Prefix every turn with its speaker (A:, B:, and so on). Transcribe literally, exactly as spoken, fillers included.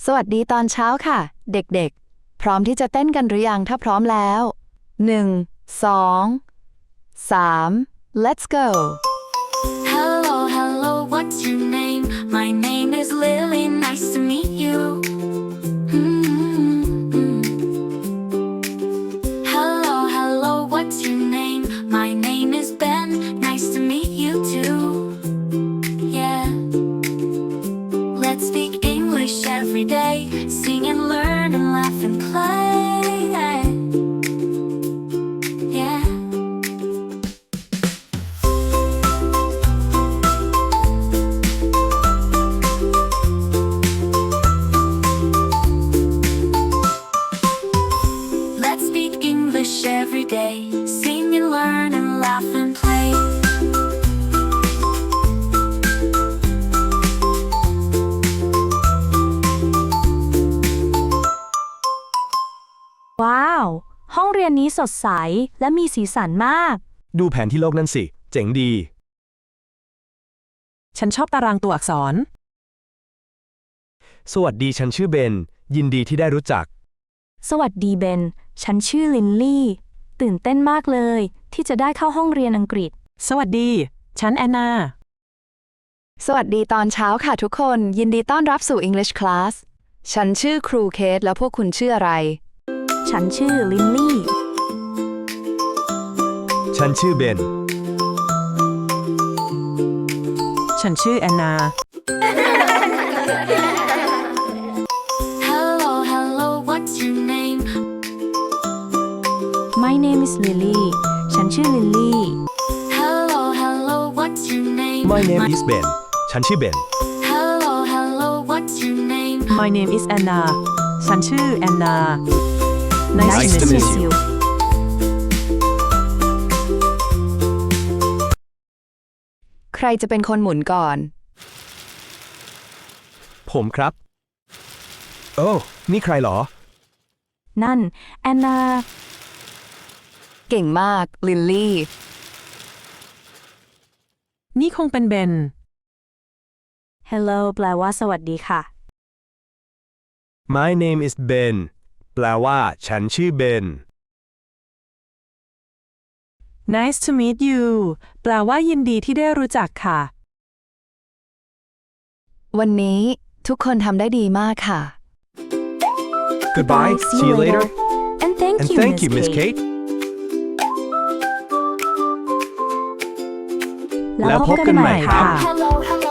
A: สวัสดีตอนเช้าค่ะ เด็กๆ พร้อมที่จะเต้นกันหรือยังถ้าพร้อมแล้วหนึ่ง สอง สาม let's go
B: Hello, hello, what's your name? My name is Lily, nice to meet you. Mm-hmm. Hello, hello, what's your name? My name is Ben, nice to meet you too. Yeah. Let's speak English every day, sing and learn and laugh and play. Yeah. Let's speak English every day. Sing and learn and laugh and play.
C: ว้าว ห้องเรียนนี้สดใสและมีสีสันมาก
D: ดูแผนที่โลกนั่นสิ เจ๋งดี
E: ฉันชอบตารางตัวอักษร
D: สวัสดีฉันชื่อเบน ยินดีที่ได้รู้จัก
C: สวัสดีเบน ฉันชื่อลินลี่ ตื่นเต้นมากเลยที่จะได้เข้าห้องเรียนอังกฤษ
E: สวัสดี ฉันแอนนา
A: สวัสดีตอนเช้าค่ะทุกคน ยินดีต้อนรับสู่ English Class ฉันชื่อครูเคทแล้วพวกคุณชื่ออะไร
C: ฉันชื่อลินลี่
D: ฉันชื่อเบน
E: ฉันชื่อแอนนา
B: Hello, hello, what's your name?
C: My name is Lily ฉันชื่อลินลี่
B: Hello, hello, what's your name?
D: My name is Ben ฉันชื่อเบน
B: Hello, hello, what's your name?
E: My name is Anna ฉันชื่อแอนนา
D: Nice to meet you
A: ใครจะเป็นคนหมุนก่อน
D: ผมครับ โอ้ นี่ใครเหรอ
C: นั่นแอนนา
A: เก่งมาก ลินลี่
E: นี่คงเป็นเบน
C: Hello แปลว่าสวัสดีค่ะ
D: My name is Ben แปลว่า ฉันชื่อเบน
E: Nice to meet you แปลว่ายินดีที่ได้รู้จักค่ะ
A: วันนี้ทุกคนทำได้ดีมากค่ะ
D: Goodbye see you later
C: and thank
D: and
C: you
D: thank you Miss
C: Miss
D: Kate
C: แล้วพบกันใหม่ค่ะ
B: Hello, hello.